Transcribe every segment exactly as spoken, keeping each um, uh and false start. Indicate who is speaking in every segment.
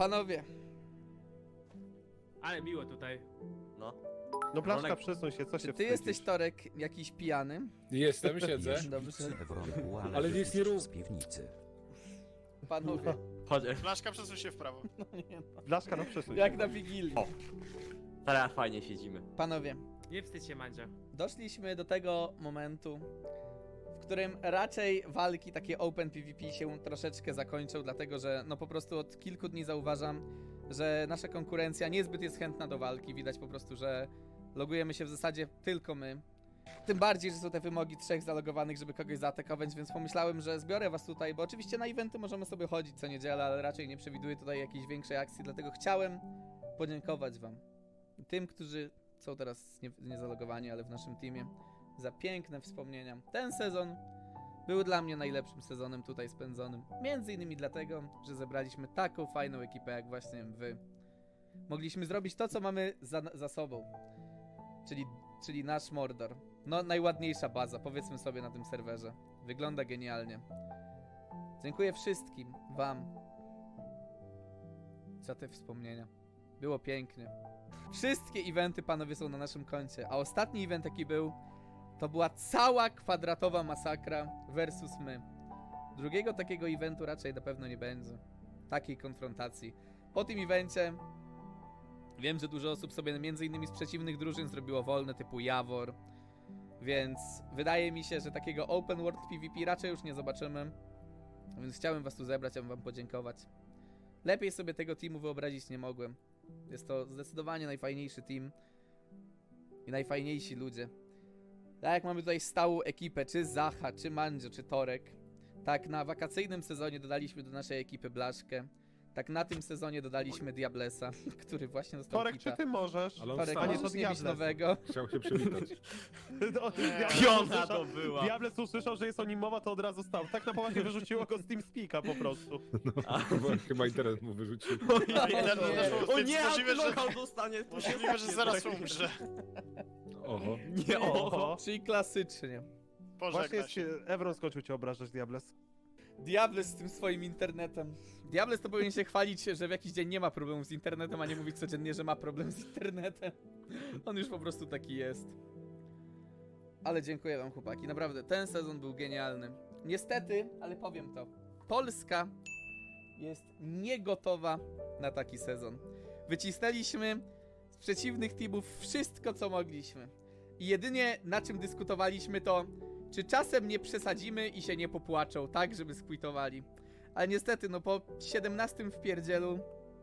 Speaker 1: Panowie,
Speaker 2: Ale miło tutaj.
Speaker 3: No.
Speaker 4: No Blaszka,
Speaker 3: Ronek-
Speaker 4: przesuń się, co się
Speaker 1: czy ty
Speaker 4: wstydzisz?
Speaker 1: jesteś Torek jakiś pijany?
Speaker 5: Jestem, siedzę.
Speaker 1: Dobrze.
Speaker 5: Ale
Speaker 6: Ale
Speaker 5: nic nie rób.
Speaker 6: z piwnicy.
Speaker 1: Panowie,
Speaker 3: Chodź,
Speaker 7: Blaszka, przesuń się w prawo.
Speaker 4: Blaszka, no przesuń
Speaker 1: jak
Speaker 4: się.
Speaker 1: na Wigilii.
Speaker 3: O. teraz fajnie siedzimy.
Speaker 1: Panowie,
Speaker 2: Nie wstydź się, Mandzio.
Speaker 1: doszliśmy do tego momentu, w którym raczej walki takie open PvP się troszeczkę zakończą, dlatego że no po prostu od kilku dni zauważam, że nasza konkurencja niezbyt jest chętna do walki. Widać po prostu, że logujemy się w zasadzie tylko my. Tym bardziej, że są te wymogi trzech zalogowanych, żeby kogoś zaatakować, więc pomyślałem, że zbiorę was tutaj, bo oczywiście na eventy możemy sobie chodzić co niedzielę, ale raczej nie przewiduję tutaj jakiejś większej akcji, dlatego chciałem podziękować wam. Tym, którzy są teraz nie, nie zalogowani, ale w naszym teamie, za piękne wspomnienia. Ten sezon był dla mnie najlepszym sezonem tutaj spędzonym. Między innymi dlatego, że zebraliśmy taką fajną ekipę jak właśnie wy. Mogliśmy zrobić to, co mamy za, za sobą. Czyli, czyli nasz Mordor. No, najładniejsza baza, powiedzmy sobie na tym serwerze. Wygląda genialnie. Dziękuję wszystkim wam za te wspomnienia. Było pięknie. Wszystkie eventy, panowie, są na naszym koncie, a ostatni event, jaki był, to była cała kwadratowa masakra versus my. Drugiego takiego eventu raczej na pewno nie będzie. Takiej konfrontacji. Po tym evencie wiem, że dużo osób sobie między innymi z przeciwnych drużyn zrobiło wolne, typu Jawor. Więc wydaje mi się, że takiego open world PvP raczej już nie zobaczymy. Więc chciałem was tu zebrać, aby wam podziękować. Lepiej sobie tego teamu wyobrazić nie mogłem. Jest to zdecydowanie najfajniejszy team. I najfajniejsi ludzie. Tak jak mamy tutaj stałą ekipę, czy Zacha, czy Mandzio, czy Torek. Tak na wakacyjnym sezonie dodaliśmy do naszej ekipy Blaszkę. Tak na tym sezonie dodaliśmy Diablesa, który właśnie został
Speaker 4: Torek,
Speaker 1: kita.
Speaker 4: czy ty możesz?
Speaker 5: Ale on
Speaker 1: Torek,
Speaker 5: sam
Speaker 4: nie, to
Speaker 1: możesz nie bić
Speaker 4: Diables.
Speaker 1: nowego.
Speaker 5: chciał się przywitać.
Speaker 4: No, Diables
Speaker 3: Piona
Speaker 4: usłyszał-
Speaker 3: to była.
Speaker 4: Diables usłyszał, że jest o nim mowa, to od razu stał. Tak na poważnie wyrzuciło go z TeamSpeaka po prostu.
Speaker 5: Bo chyba internet mu wyrzucił.
Speaker 7: Ja idę do doszło,
Speaker 3: O
Speaker 7: więc
Speaker 3: nie,
Speaker 7: możliwe, że,
Speaker 3: knockout dostanie.
Speaker 7: możliwe, że zaraz umrze.
Speaker 5: Oho.
Speaker 3: Nie, o.
Speaker 4: Oho.
Speaker 1: Czyli klasycznie.
Speaker 4: Właśnie
Speaker 7: Pożegna
Speaker 4: jest,
Speaker 7: się.
Speaker 4: Evron skończył cię obrażać, Diables.
Speaker 1: Diables z tym swoim internetem. Diables to powinien się chwalić, że w jakiś dzień nie ma problemu z internetem, a nie mówić codziennie, że ma problem z internetem. On już po prostu taki jest. Ale dziękuję wam, chłopaki. Naprawdę, ten sezon był genialny. Niestety, ale powiem to. Polska jest niegotowa na taki sezon. Wycisnęliśmy z przeciwnych teamów wszystko, co mogliśmy. I jedynie na czym dyskutowaliśmy to, czy czasem nie przesadzimy i się nie popłaczą, tak, żeby skwitowali. Ale niestety, no po siedemnastym wpierdzielu,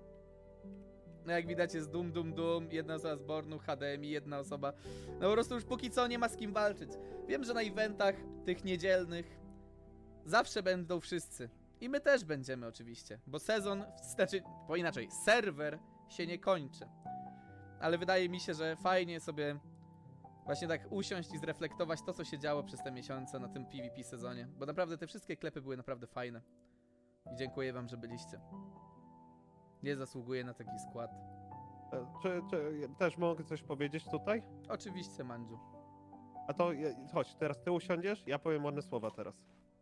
Speaker 1: no jak widać jest dum dum dum, jedna osoba z Bornu, H D M I, jedna osoba, no po prostu już póki co nie ma z kim walczyć. Wiem, że na eventach tych niedzielnych zawsze będą wszyscy. I my też będziemy oczywiście, bo sezon, znaczy, bo inaczej, serwer się nie kończy. Ale wydaje mi się, że fajnie sobie właśnie tak usiąść i zreflektować to, co się działo przez te miesiące na tym PvP sezonie. Bo naprawdę te wszystkie klepy były naprawdę fajne. I dziękuję wam, że byliście. Nie zasługuję na taki skład.
Speaker 4: E, Czy, czy też mogę coś powiedzieć tutaj?
Speaker 1: Oczywiście, Mandziu.
Speaker 4: A to ja- chodź, teraz ty usiądziesz, ja powiem ładne słowa teraz.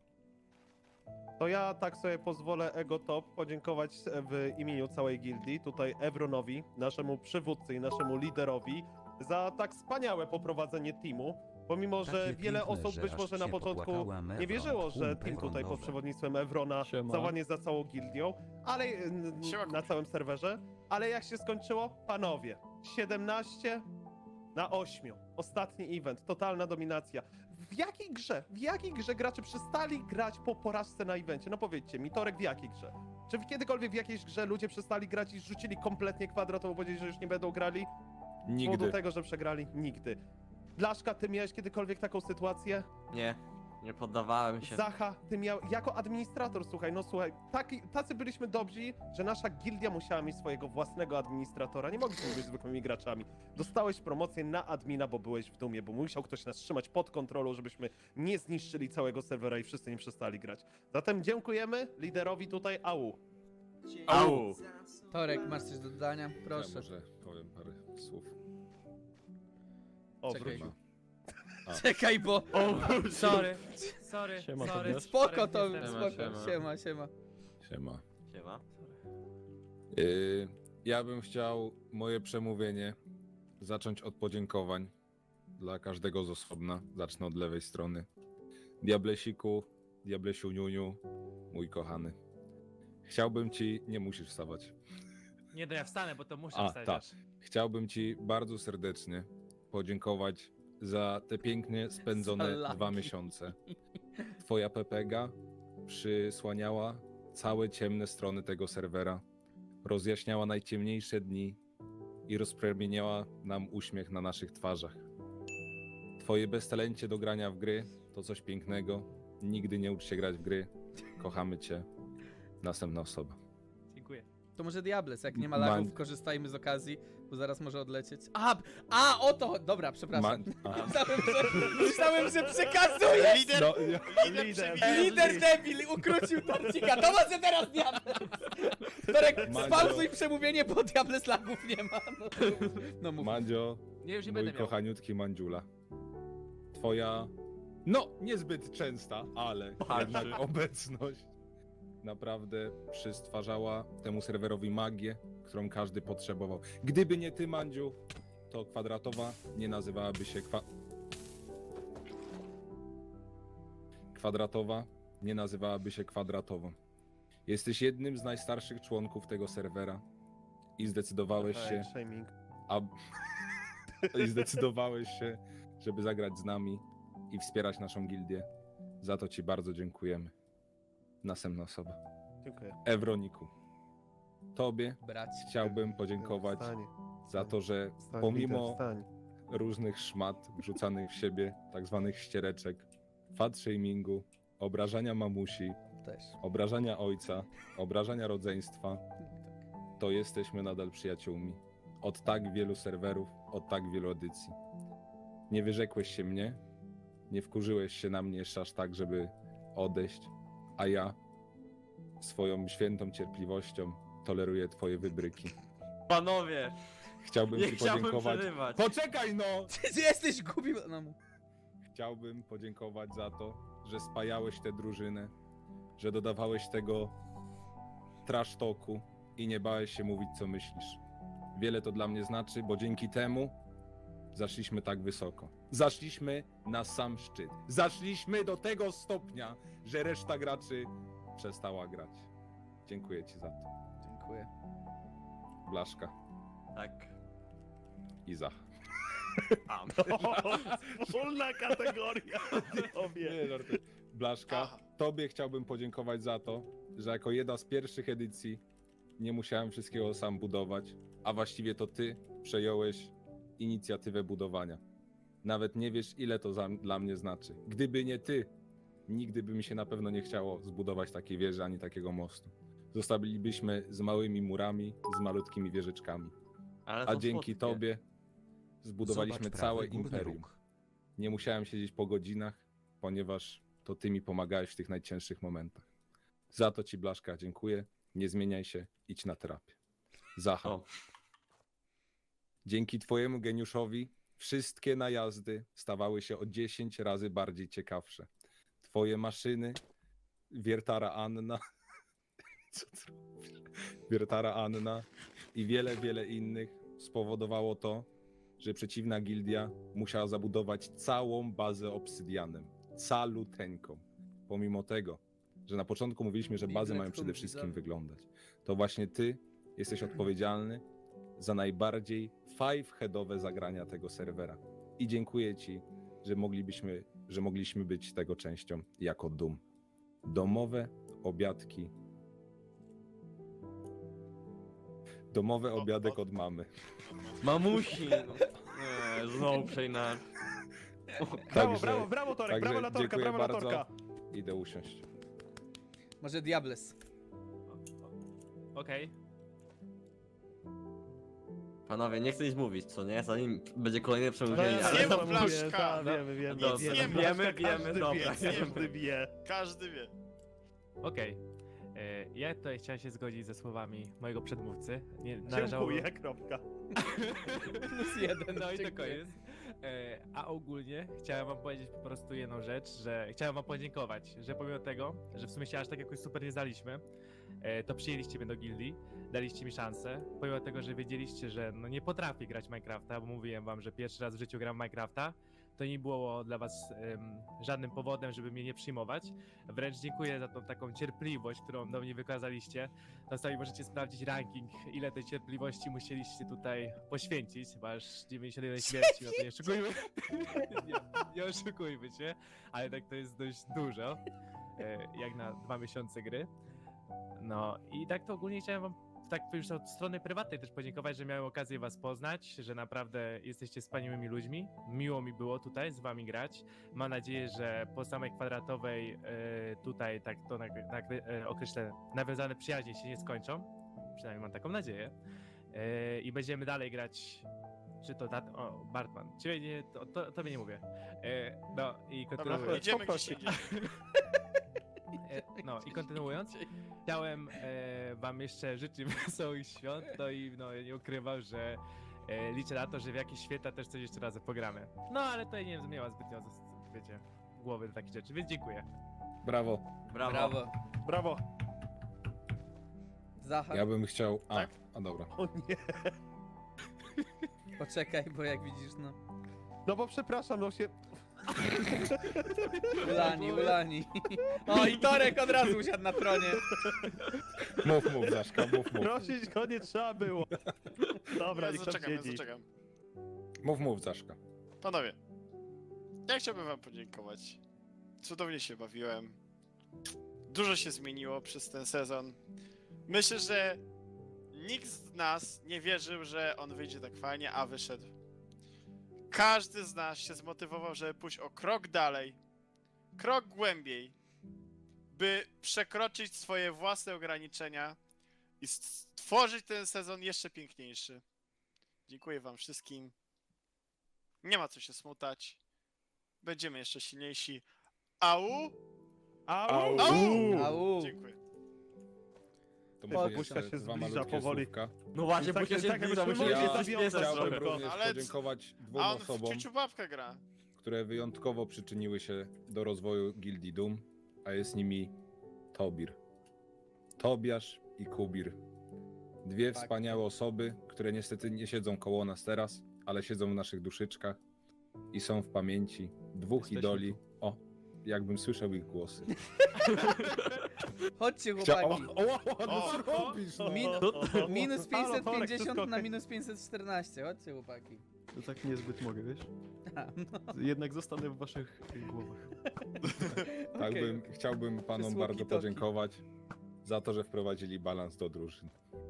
Speaker 4: To ja tak sobie pozwolę Ego Top podziękować w imieniu całej gildii, tutaj Evronowi, naszemu przywódcy i naszemu liderowi, za tak wspaniałe poprowadzenie teamu. Pomimo, że
Speaker 6: Takie
Speaker 4: wiele
Speaker 6: piękne,
Speaker 4: osób
Speaker 6: że
Speaker 4: być
Speaker 6: aż
Speaker 4: może na
Speaker 6: się
Speaker 4: początku
Speaker 6: popłakałem,
Speaker 4: nie
Speaker 6: Evron,
Speaker 4: wierzyło, że
Speaker 6: kumpel
Speaker 4: team tutaj pod
Speaker 6: rondowy.
Speaker 4: przewodnictwem Evrona
Speaker 5: Siema.
Speaker 4: załadnie za całą gildią, ale n-
Speaker 7: Siema,
Speaker 4: na całym serwerze. Ale jak się skończyło? Panowie, siedemnaście na ośmiu. Ostatni event, totalna dominacja. W jakiej grze? W jakiej grze gracze przestali grać po porażce na evencie? No powiedzcie mi, Torek, w jakiej grze? Czy kiedykolwiek w jakiejś grze ludzie przestali grać i rzucili kompletnie kwadratowo, powiedzieli, że już nie będą grali? Z powodu
Speaker 5: Nigdy.
Speaker 4: tego, że przegrali? Nigdy. Blaszka, ty miałeś kiedykolwiek taką sytuację?
Speaker 3: Nie, nie poddawałem się.
Speaker 4: Zacha, ty miał, jako administrator, słuchaj, no słuchaj, taki, tacy byliśmy dobrzy, że nasza gildia musiała mieć swojego własnego administratora, nie mogliśmy być zwykłymi graczami. Dostałeś promocję na admina, bo byłeś w dumie, bo musiał ktoś nas trzymać pod kontrolą, żebyśmy nie zniszczyli całego serwera i wszyscy nie przestali grać. Zatem dziękujemy liderowi tutaj, au.
Speaker 3: Au!
Speaker 1: Torek, masz coś do dodania?
Speaker 5: Ja
Speaker 1: Proszę.
Speaker 5: może powiem parę słów.
Speaker 4: O,
Speaker 1: Czekaj.
Speaker 4: wrócił.
Speaker 1: Czekaj, bo...
Speaker 2: Sorry, sorry,
Speaker 8: Siema,
Speaker 2: sorry.
Speaker 8: Tobiasz.
Speaker 1: Spoko to,
Speaker 2: Sorry,
Speaker 1: spoko.
Speaker 3: siema.
Speaker 1: Siema, siema.
Speaker 5: Siema.
Speaker 3: Siema.
Speaker 5: Yy, ja bym chciał moje przemówienie zacząć od podziękowań dla każdego z osobna. Zacznę od lewej strony. Diablesiku, Diablesiu Niuniu, mój kochany. Chciałbym ci... Nie musisz wstawać.
Speaker 2: Nie, no ja wstanę, bo to muszę
Speaker 5: A,
Speaker 2: wstać
Speaker 5: tak.
Speaker 2: aż.
Speaker 5: Chciałbym ci bardzo serdecznie podziękować za te pięknie
Speaker 1: Za
Speaker 5: spędzone
Speaker 1: laki.
Speaker 5: dwa miesiące. Twoja Pepega przysłaniała całe ciemne strony tego serwera, rozjaśniała najciemniejsze dni i rozpromieniała nam uśmiech na naszych twarzach. Twoje beztalencie do grania w gry to coś pięknego. Nigdy nie ucz się grać w gry. Kochamy cię. Następna osoba.
Speaker 2: Dziękuję.
Speaker 1: To może Diables, jak nie ma
Speaker 5: Man-
Speaker 1: lagów, korzystajmy z okazji, bo zaraz może odlecieć. A, a o to! Dobra, przepraszam.
Speaker 5: Ma- a.
Speaker 1: Myślałem, że, myślałem, że przekazuje!
Speaker 7: Lider,
Speaker 5: No, ja...
Speaker 7: lider,
Speaker 4: Lider.
Speaker 7: przewiduje.
Speaker 1: Lider debil ukrócił Torcika, to może teraz Diables! Torek,
Speaker 5: Mandzio.
Speaker 1: spauzuj przemówienie, bo Diables lagów nie ma. No, no mów.
Speaker 5: Mandzio,
Speaker 2: Nie, już nie
Speaker 5: mój
Speaker 2: będę miał.
Speaker 5: kochaniutki Mandziula. Twoja, no niezbyt częsta, ale jednak obecność naprawdę przystwarzała temu serwerowi magię, którą każdy potrzebował. Gdyby nie ty, Mandziu, to kwadratowa nie nazywałaby się kwa... Kwadratowa nie nazywałaby się kwadratową. Jesteś jednym z najstarszych członków tego serwera i zdecydowałeś się,
Speaker 4: Shaming.
Speaker 5: a... i zdecydowałeś się, żeby zagrać z nami i wspierać naszą gildię. Za to ci bardzo dziękujemy. Następna osoba.
Speaker 4: Dziękuję.
Speaker 5: Ewroniku, tobie
Speaker 1: Brać.
Speaker 5: chciałbym podziękować
Speaker 4: Wstań,
Speaker 5: za to, że
Speaker 4: wstań,
Speaker 5: pomimo
Speaker 4: lider, wstań.
Speaker 5: różnych szmat wrzucanych w siebie, tak zwanych ściereczek, fat shamingu, obrażania mamusi,
Speaker 1: Też.
Speaker 5: obrażania ojca, obrażania rodzeństwa, to jesteśmy nadal przyjaciółmi. Od tak wielu serwerów, od tak wielu edycji. Nie wyrzekłeś się mnie, nie wkurzyłeś się na mnie jeszcze aż tak, żeby odejść, a ja swoją świętą cierpliwością toleruję twoje wybryki.
Speaker 3: Panowie,
Speaker 5: Chciałbym
Speaker 3: nie
Speaker 5: ci
Speaker 3: chciałbym
Speaker 5: podziękować.
Speaker 3: przerywać.
Speaker 5: Poczekaj no!
Speaker 1: Ty jesteś głupi. No, mów.
Speaker 5: Chciałbym podziękować za to, że spajałeś tę drużynę, że dodawałeś tego trash talku i nie bałeś się mówić, co myślisz. Wiele to dla mnie znaczy, bo dzięki temu zaszliśmy tak wysoko. Zaszliśmy na sam szczyt. Zaszliśmy do tego stopnia, że reszta graczy przestała grać. Dziękuję ci za to.
Speaker 1: Dziękuję.
Speaker 5: Blaszka
Speaker 3: Tak.
Speaker 5: i Zach.
Speaker 3: A,
Speaker 4: O, wspólna kategoria. Tobie.
Speaker 5: Nie, żartuję. Blaszka,
Speaker 7: Aha.
Speaker 5: tobie chciałbym podziękować za to, że jako jedna z pierwszych edycji nie musiałem wszystkiego sam budować, a właściwie to ty przejąłeś inicjatywę budowania. Nawet nie wiesz, ile to za, dla mnie znaczy. Gdyby nie ty, nigdy by mi się na pewno nie chciało zbudować takiej wieży ani takiego mostu. Zostalibyśmy z małymi murami, z malutkimi wieżyczkami.
Speaker 3: ale
Speaker 5: A
Speaker 3: to
Speaker 5: dzięki
Speaker 3: słodkie.
Speaker 5: tobie zbudowaliśmy
Speaker 6: Zobacz
Speaker 5: całe
Speaker 6: prawy górny
Speaker 5: imperium.
Speaker 6: róg.
Speaker 5: Nie musiałem siedzieć po godzinach, ponieważ to ty mi pomagałeś w tych najcięższych momentach. Za to ci, Blaszka, dziękuję. Nie zmieniaj się, idź na terapię. Zacha.
Speaker 3: O.
Speaker 5: Dzięki twojemu geniuszowi wszystkie najazdy stawały się o dziesięć razy bardziej ciekawsze. Twoje maszyny, wiertara Anna, co ty robisz? Wiertara Anna i wiele, wiele innych spowodowało to, że przeciwna gildia musiała zabudować całą bazę obsydianem. Caluteńką. Pomimo tego, że na początku mówiliśmy, że bazy
Speaker 1: Biglet
Speaker 5: mają przede wszystkim
Speaker 1: widzowie.
Speaker 5: wyglądać. To właśnie ty jesteś odpowiedzialny za najbardziej five-headowe zagrania tego serwera. I dziękuję ci, że moglibyśmy, że mogliśmy być tego częścią jako Doom. Domowe obiadki. Domowy
Speaker 7: O,
Speaker 5: obiadek
Speaker 7: o.
Speaker 5: od mamy.
Speaker 3: Mamusi! No. Nie, znowu przejna.
Speaker 4: Brawo,
Speaker 5: Także-
Speaker 4: brawo, brawo Torek,
Speaker 5: także
Speaker 4: brawo na Torka,
Speaker 5: dziękuję
Speaker 4: brawo na
Speaker 5: bardzo.
Speaker 4: Torka.
Speaker 5: Idę usiąść.
Speaker 1: Może Diables.
Speaker 2: Okej.
Speaker 3: Panowie, nie chcę nic mówić, co nie? Zanim będzie kolejne przemówienie,
Speaker 4: No,
Speaker 3: ale
Speaker 7: Zjem
Speaker 3: to...
Speaker 7: w Blaszka.
Speaker 4: Wiemy, wiemy,
Speaker 3: Dobra,
Speaker 4: wiemy,
Speaker 3: wiemy,
Speaker 4: Blaszka,
Speaker 3: wiemy,
Speaker 4: każdy
Speaker 3: dobra,
Speaker 4: wie,
Speaker 3: wiemy.
Speaker 4: każdy wie.
Speaker 7: Każdy wie.
Speaker 2: Okej. E, Ja tutaj chciałem się zgodzić ze słowami mojego przedmówcy. Nie należało...
Speaker 4: Dziękuję, kropka.
Speaker 1: Plus jeden.
Speaker 2: No i to
Speaker 1: dziękuję.
Speaker 2: koniec. E, A ogólnie chciałem wam powiedzieć po prostu jedną rzecz, że chciałem wam podziękować, że pomimo tego, że w sumie się aż tak jakoś super nie znaliśmy, e, to przyjęliście mnie do gildii, daliście mi szansę, pomimo tego, że wiedzieliście, że no nie potrafię grać w Minecrafta, bo mówiłem wam, że pierwszy raz w życiu gram w Minecrafta, to nie było dla was em, żadnym powodem, żeby mnie nie przyjmować. Wręcz dziękuję za tą taką cierpliwość, którą do mnie wykazaliście. No sami możecie sprawdzić ranking, ile tej cierpliwości musieliście tutaj poświęcić, bo aż dziewięćdziesiąt jeden śmierci, no to nie oszukujmy, nie, nie oszukujmy się, ale tak to jest dość dużo, e, jak na dwa miesiące gry. No i tak to ogólnie chciałem wam tak już od strony prywatnej też podziękować, że miałem okazję was poznać, że naprawdę jesteście wspaniałymi ludźmi. Miło mi było tutaj z wami grać. Mam nadzieję, że po samej kwadratowej e, tutaj, tak to tak, tak e, określę, nawiązane przyjaźnie się nie skończą. Przynajmniej mam taką nadzieję. E, I będziemy dalej grać. Czy to dat... O, Bartman. Ciebie nie, to, to, tobie nie mówię. E, no i
Speaker 7: Dobra,
Speaker 2: kontynuując.
Speaker 7: idziemy gdzieś
Speaker 4: Poproszę.
Speaker 7: indziej.
Speaker 2: E, no i kontynuując, chciałem e, wam jeszcze życzyć wesołych świąt, no i no, nie ukrywam, że e, liczę na to, że w jakieś święta też coś jeszcze razem pogramy. No ale tutaj nie, nie ma zbytnio, wiecie, głowy do takich rzeczy, więc dziękuję.
Speaker 5: Brawo.
Speaker 3: Brawo.
Speaker 1: Brawo.
Speaker 4: Brawo.
Speaker 1: Zachar,
Speaker 5: Ja bym chciał... A,
Speaker 7: Tak?
Speaker 5: a dobra.
Speaker 4: O nie.
Speaker 1: poczekaj, bo jak widzisz, no...
Speaker 4: No bo przepraszam, no się...
Speaker 1: Ulani, ulani. O, i Torek od razu usiadł na tronie.
Speaker 5: Mów, mów, Zaszka, mów, mów.
Speaker 4: Prosić go nie trzeba było. Dobra,
Speaker 7: Ja
Speaker 4: niech tam
Speaker 7: zaczekam, ja
Speaker 4: siedzi.
Speaker 7: zaczekam.
Speaker 5: Mów, mów, Zaszka.
Speaker 7: Panowie, ja chciałbym wam podziękować. Cudownie się bawiłem. Dużo się zmieniło przez ten sezon. Myślę, że nikt z nas nie wierzył, że on wyjdzie tak fajnie, a wyszedł. Każdy z nas się zmotywował, żeby pójść o krok dalej, krok głębiej, by przekroczyć swoje własne ograniczenia i stworzyć ten sezon jeszcze piękniejszy. Dziękuję wam wszystkim. Nie ma co się smutać. Będziemy jeszcze silniejsi. Au!
Speaker 4: Au!
Speaker 7: Au!
Speaker 1: Au.
Speaker 7: Dziękuję.
Speaker 5: To
Speaker 1: O,
Speaker 5: może
Speaker 4: Buźka
Speaker 5: jeszcze
Speaker 4: się
Speaker 5: dwa
Speaker 4: zbliża
Speaker 5: malutkie
Speaker 4: powoli.
Speaker 5: słówka.
Speaker 3: No właśnie,
Speaker 4: Tak,
Speaker 3: bo się
Speaker 4: tak, tak,
Speaker 3: zbliża,
Speaker 4: jakbyśmy
Speaker 3: musimy
Speaker 4: mogli
Speaker 3: się
Speaker 4: zawiązać
Speaker 3: spieszyć
Speaker 4: trochę.
Speaker 3: trochę.
Speaker 5: Chciałbym również
Speaker 7: Ale-
Speaker 5: podziękować dwóm
Speaker 7: A on w
Speaker 5: osobom,
Speaker 7: ciuciu babkę gra.
Speaker 5: które wyjątkowo przyczyniły się do rozwoju Gildii Doom, a jest nimi Tobir. Tobiasz i Kubir. Dwie
Speaker 1: Tak.
Speaker 5: wspaniałe osoby, które niestety nie siedzą koło nas teraz, ale siedzą w naszych duszyczkach i są w pamięci dwóch
Speaker 2: Jesteśmy
Speaker 5: idoli. O, jakbym słyszał ich głosy.
Speaker 1: Chodźcie,
Speaker 5: Chcia... O,
Speaker 1: chłopaki.
Speaker 5: o, o, no
Speaker 7: O,
Speaker 5: co robisz? No?
Speaker 1: Min-
Speaker 4: o,
Speaker 1: Minus
Speaker 4: Halo, Torek,
Speaker 1: pięćset pięćdziesiąt
Speaker 4: wszystko
Speaker 1: na
Speaker 4: okej.
Speaker 1: minus pięćset czternaście. Chodźcie, chłopaki.
Speaker 6: To tak niezbyt mogę, wiesz?
Speaker 1: A, no,
Speaker 6: Jednak zostanę w waszych głowach.
Speaker 5: Tak
Speaker 1: okej.
Speaker 5: bym, chciałbym panom
Speaker 1: Przez
Speaker 5: bardzo
Speaker 1: walkie-talkie.
Speaker 5: podziękować za to, że wprowadzili balans do drużyn.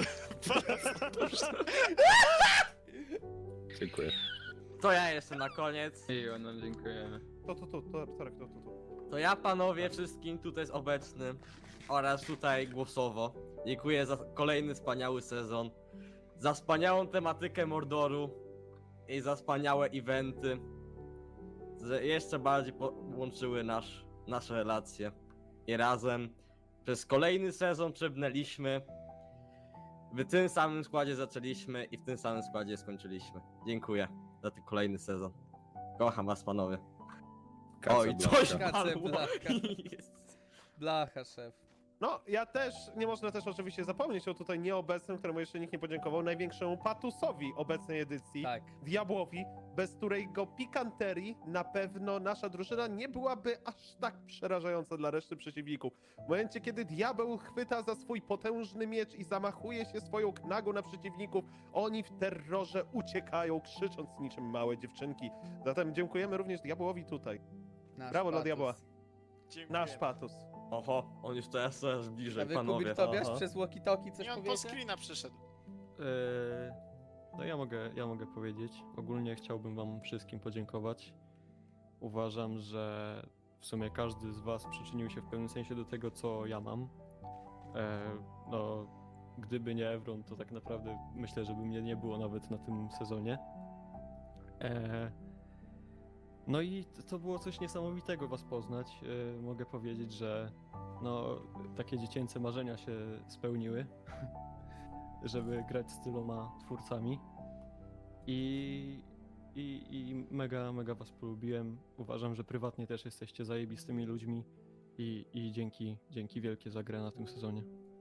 Speaker 5: Dziękuję.
Speaker 3: To ja jeszcze na koniec.
Speaker 8: Miło, no dziękujemy.
Speaker 4: To, to, to, to, Torek, to, to, to.
Speaker 3: To ja panowie wszystkim tutaj jest obecnym oraz tutaj głosowo dziękuję za kolejny wspaniały sezon, za wspaniałą tematykę Mordoru i za wspaniałe eventy, że jeszcze bardziej połączyły nasz, nasze relacje i razem przez kolejny sezon przebrnęliśmy, w tym samym składzie zaczęliśmy i w tym samym składzie skończyliśmy. Dziękuję za ten kolejny sezon. Kocham was panowie. Oj,
Speaker 5: Casablanca.
Speaker 3: coś
Speaker 1: Kace,
Speaker 3: padło.
Speaker 1: blachka. Blacha, szef.
Speaker 4: No, ja też, nie można też oczywiście zapomnieć o tutaj nieobecnym, któremu jeszcze nikt nie podziękował, największemu patusowi obecnej edycji,
Speaker 1: Tak.
Speaker 4: Diabłowi, bez którego pikanterii na pewno nasza drużyna nie byłaby aż tak przerażająca dla reszty przeciwników. W momencie, kiedy diabeł chwyta za swój potężny miecz i zamachuje się swoją knagą na przeciwników, oni w terrorze uciekają, krzycząc niczym małe dziewczynki. Zatem dziękujemy również diabłowi tutaj.
Speaker 1: Nasz
Speaker 4: Brawo dla
Speaker 1: patus.
Speaker 4: diabła.
Speaker 7: Dziękuję.
Speaker 4: Nasz patus.
Speaker 3: Oho, on już teraz coraz
Speaker 1: A
Speaker 3: bliżej,
Speaker 1: wy,
Speaker 3: panowie.
Speaker 1: Kubir Tobiasz,
Speaker 3: Aha.
Speaker 1: przez walkie-talkie coś
Speaker 7: Nie, on po
Speaker 1: powiecie?
Speaker 7: screena przyszedł.
Speaker 6: Eee, no ja mogę, ja mogę powiedzieć. Ogólnie chciałbym wam wszystkim podziękować. Uważam, że w sumie każdy z was przyczynił się w pewnym sensie do tego, co ja mam. Eee, no, gdyby nie Evron, to tak naprawdę myślę, że by mnie nie było nawet na tym sezonie. Eee, no i to- to było coś niesamowitego was poznać. Eee, mogę powiedzieć, że no, takie dziecięce marzenia się spełniły, żeby grać z tyloma twórcami. I, i, I mega, mega was polubiłem. Uważam, że prywatnie też jesteście zajebistymi ludźmi i, i dzięki, dzięki wielkie za grę na tym sezonie.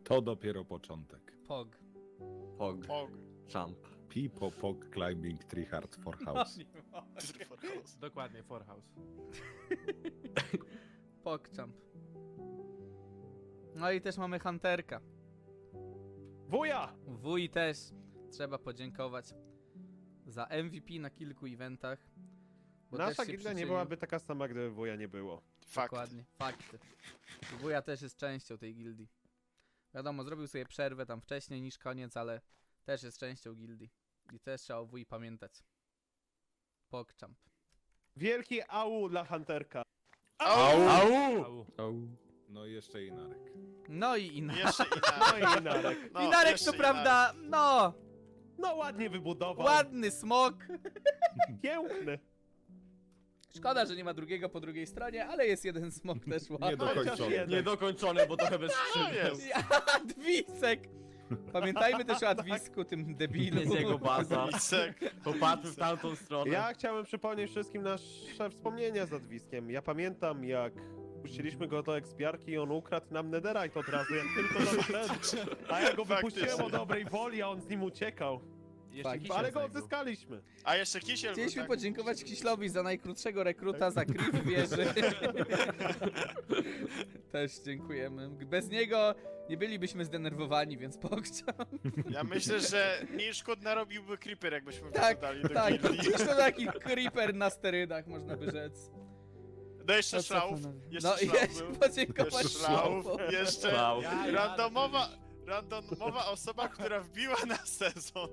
Speaker 5: To dopiero początek.
Speaker 1: Pog.
Speaker 3: Pog.
Speaker 7: Pog.
Speaker 3: Jump.
Speaker 5: Pipo Pog Climbing Tree Hard for House.
Speaker 2: Dokładnie, for house.
Speaker 1: Pogchamp. No i też mamy Hunterka.
Speaker 4: Wuja!
Speaker 1: Wuj też trzeba podziękować za M V P na kilku eventach. Bo też
Speaker 4: Nasza
Speaker 1: się
Speaker 4: gildia nie
Speaker 1: przyczynił.
Speaker 4: byłaby taka sama, gdyby wuja nie było.
Speaker 7: Fakt.
Speaker 1: Dokładnie, fakty. Wuja też jest częścią tej gildii. Wiadomo, zrobił sobie przerwę tam wcześniej niż koniec, ale też jest częścią gildii. I też trzeba o wuj pamiętać. Pogchamp.
Speaker 4: Wielki au dla Hunterka.
Speaker 7: Au!
Speaker 2: Au.
Speaker 6: Au.
Speaker 5: No i jeszcze Inarek.
Speaker 1: No i Inarek.
Speaker 7: Jeszcze
Speaker 4: No
Speaker 7: Inarek.
Speaker 4: i Inarek.
Speaker 7: No,
Speaker 1: Inarek
Speaker 7: jeszcze
Speaker 1: to prawda, no,
Speaker 4: No ładnie wybudował.
Speaker 1: ładny smok.
Speaker 4: Piękny.
Speaker 1: Szkoda, że nie ma drugiego po drugiej stronie, ale jest jeden smok też ładny.
Speaker 5: Niedokończony.
Speaker 4: jeden.
Speaker 3: Niedokończony, bo trochę bez
Speaker 7: No
Speaker 3: skrzydeł.
Speaker 7: jest.
Speaker 1: Adwisek! Pamiętajmy też o Adwisku, tym debilu.
Speaker 3: Jest jego baza.
Speaker 7: Lisek.
Speaker 3: Popatrzył w tamtą stronę.
Speaker 4: Ja chciałem przypomnieć wszystkim nasze wspomnienia z Adwiskiem. Ja pamiętam, jak puściliśmy go do ekspiarki i on ukradł nam netherite od razu, jak tylko doszedł. A ja go wypuściłem
Speaker 7: Faktycznie.
Speaker 4: o dobrej woli, a on z nim uciekał.
Speaker 2: Jeszcze
Speaker 1: Tak,
Speaker 2: kisiel
Speaker 4: Ale go
Speaker 2: znajdą.
Speaker 4: odzyskaliśmy.
Speaker 7: A jeszcze Kisiel był,
Speaker 1: Chcieliśmy
Speaker 7: tak?
Speaker 1: podziękować Kiślowi za najkrótszego rekruta, za creep wieży. Też dziękujemy. Bez niego nie bylibyśmy zdenerwowani, więc pokczam.
Speaker 7: Ja myślę, że mniej szkód narobiłby Creeper, jakbyśmy
Speaker 1: Tak,
Speaker 7: dodali do
Speaker 1: tak.
Speaker 7: gildii.
Speaker 1: To taki creeper na sterydach, można by rzec.
Speaker 7: No jeszcze
Speaker 1: No co,
Speaker 7: szlauf.
Speaker 1: panowie?
Speaker 7: Jeszcze
Speaker 1: No i
Speaker 7: szlauf
Speaker 1: jeszcze
Speaker 7: był.
Speaker 1: podziękować
Speaker 7: Jeszcze szlauf.
Speaker 1: Szlaufowi.
Speaker 7: Jeszcze
Speaker 3: Szlauf.
Speaker 7: randomowa, randomowa osoba, która wbiła na sezon.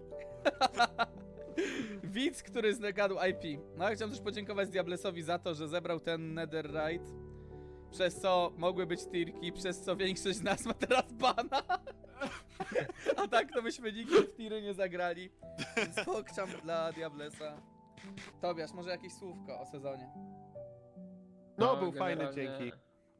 Speaker 1: Widz, który zgadł I P. No ja chciałem też podziękować Diablesowi za to, że zebrał ten netherite. Przez co mogły być tirki, przez co większość z nas ma teraz bana. A tak to byśmy nigdy w tiry nie zagrali. Więc pokczam dla Diablesa. Tobiasz, może jakieś słówko o sezonie?
Speaker 4: No, był fajny,
Speaker 8: generalnie-
Speaker 4: dzięki.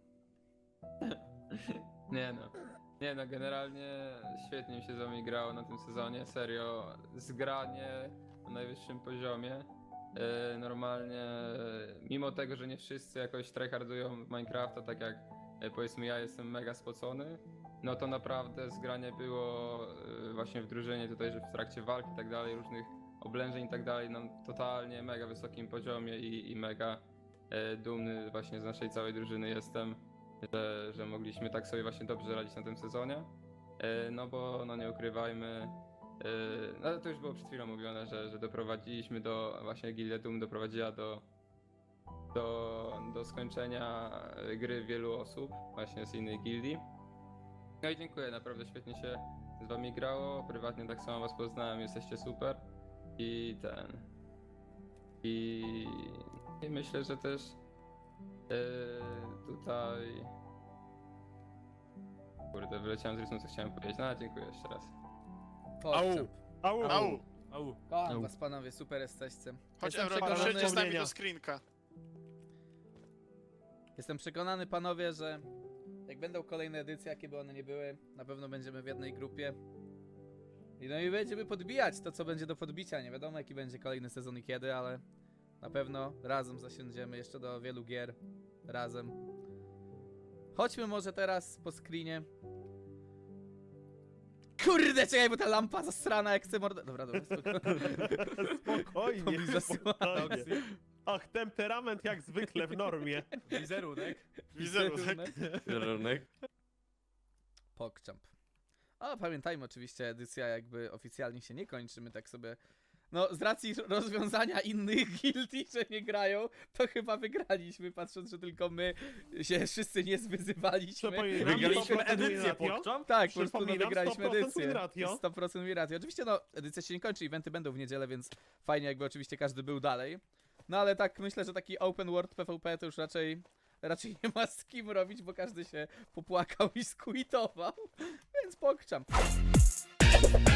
Speaker 8: Nie no. Nie no, generalnie świetnie mi się z wami grało na tym sezonie, serio. Zgranie na najwyższym poziomie. E, normalnie, mimo tego, że nie wszyscy jakoś tryhardują w Minecrafta, tak jak e, powiedzmy ja jestem mega spocony, no to naprawdę zgranie było e, właśnie w drużynie tutaj, że w trakcie walki i tak dalej, różnych oblężeń i tak dalej, na totalnie mega wysokim poziomie i, i mega e, dumny właśnie z naszej całej drużyny jestem. Że, że mogliśmy tak sobie właśnie dobrze radzić na tym sezonie. E, No bo, no nie ukrywajmy, e, no to już było przed chwilą mówione, że, że doprowadziliśmy do, właśnie Gildia Doom doprowadziła do, do, do skończenia gry wielu osób, właśnie z innej gildii. No i dziękuję, naprawdę świetnie się z wami grało, prywatnie tak samo was poznałem, jesteście super. I ten... I, i myślę, że też Yy, tutaj... Kurde, wyleciałem z rytmu, co chciałem powiedzieć. No, dziękuję jeszcze raz.
Speaker 1: Pokczam.
Speaker 4: Au.
Speaker 7: Au!
Speaker 2: Au.
Speaker 1: Kocham
Speaker 6: Au.
Speaker 1: was panowie, super jesteście.
Speaker 7: Chodź
Speaker 1: Jestem
Speaker 7: Euro,
Speaker 1: przekonany,
Speaker 7: doszedźcie z nami
Speaker 4: wspomnienia.
Speaker 7: do screenka.
Speaker 1: jestem przekonany panowie, że jak będą kolejne edycje, jakie by one nie były, na pewno będziemy w jednej grupie. I no i będziemy podbijać to, co będzie do podbicia. Nie wiadomo, jaki będzie kolejny sezon i kiedy, ale na pewno razem zasiądziemy jeszcze do wielu gier. Razem. Chodźmy może teraz po screenie. Kurde, czekaj, bo ta lampa zasrana jak chce mordę... Dobra, dobra, spokojnie.
Speaker 4: Spokojnie,
Speaker 1: To mi zasłania.
Speaker 4: spokojnie. Ach, temperament jak zwykle w normie.
Speaker 2: Wizerunek.
Speaker 7: Wizerunek.
Speaker 3: Wizerunek.
Speaker 1: Pogchamp. A pamiętajmy oczywiście, edycja jakby oficjalnie się nie kończy, my tak sobie... No, z racji rozwiązania innych gildii, że nie grają, to chyba wygraliśmy, patrząc, że tylko my się wszyscy nie zwyzywaliśmy.
Speaker 4: Przypominam,
Speaker 3: Wygraliśmy
Speaker 4: sto procent
Speaker 3: edycję,
Speaker 4: ratio.
Speaker 3: Pogchamp?
Speaker 1: Tak, po prostu no,
Speaker 4: Przypominam,
Speaker 1: wygraliśmy
Speaker 4: sto procent
Speaker 1: edycję.
Speaker 4: win ratio.
Speaker 1: sto procent win ratio. Oczywiście no, edycja się nie kończy, eventy będą w niedzielę, więc fajnie jakby oczywiście każdy był dalej. No ale tak myślę, że taki open world PvP to już raczej raczej nie ma z kim robić, bo każdy się popłakał i squitował. Więc pokczam.